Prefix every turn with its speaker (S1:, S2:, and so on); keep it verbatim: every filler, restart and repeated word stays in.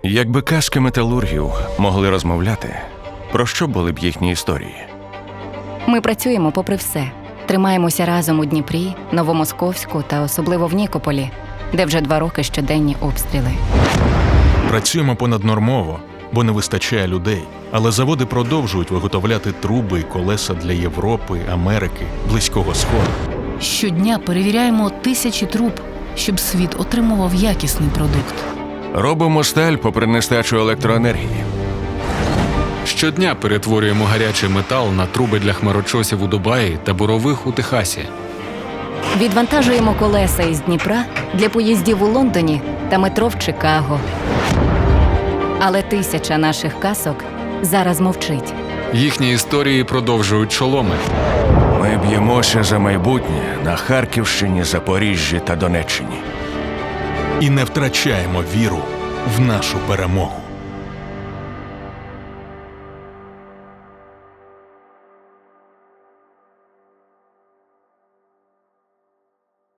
S1: Якби казки металургів могли розмовляти, про що були б їхні історії?
S2: Ми працюємо попри все. Тримаємося разом у Дніпрі, Новомосковську та особливо в Нікополі, де вже два роки щоденні обстріли.
S3: Працюємо понаднормово, бо не вистачає людей. Але заводи продовжують виготовляти труби і колеса для Європи, Америки, Близького Сходу.
S4: Щодня перевіряємо тисячі труб, щоб світ отримував якісний продукт.
S1: Робимо сталь попри нестачу електроенергії.
S5: Щодня перетворюємо гарячий метал на труби для хмарочосів у Дубаї та бурових у Техасі.
S2: Відвантажуємо колеса із Дніпра для поїздів у Лондоні та метро в Чикаго. Але тисяча наших касок зараз мовчить.
S5: Їхні історії продовжують шоломи.
S1: Ми б'ємося за майбутнє на Харківщині, Запоріжжі та Донеччині.
S3: І не втрачаємо віру в нашу перемогу.